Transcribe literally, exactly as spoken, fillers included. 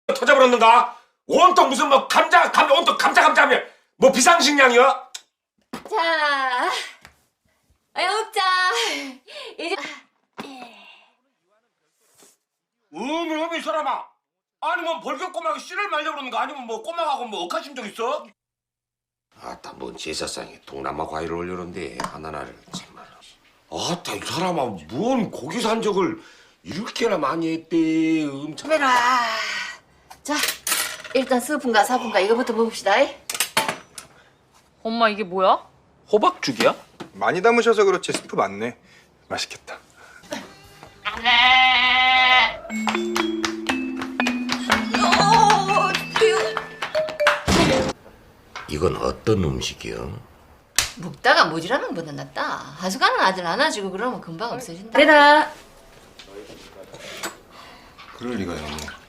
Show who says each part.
Speaker 1: 터져버렸는가? 온통 무슨 뭐 감자 감자 온통 감자 감자며 뭐 비상식량이야?
Speaker 2: 자, 아이 먹자. 이제
Speaker 1: 음이 음이 이 사람아. 아니 뭐 벌교 꼬막이 씨를 말려 그러는 거 아니면 뭐 꼬막하고 뭐 억하신 적 있어? 아따 뭔 제사상에 동남아 과일을 올려놓는데 하나나를 참말로. 아따 이 사람아 뭔 고기 산적을 이렇게나 많이 했대. 엄청.
Speaker 2: 카메라. 자, 일단 스푼가 사푼가 이거부터 먹읍시다.
Speaker 3: 엄마 이게 뭐야?
Speaker 4: 호박죽이야?
Speaker 5: 많이 담으셔서 그렇지 스프 많네. 맛있겠다.
Speaker 1: 이건 어떤 음식이요?
Speaker 2: 먹다가 모질하면 보다 낫다. 하수관은 아들 안아주고 그러면 금방 없어진다. 그래라.
Speaker 5: 그럴 리가요.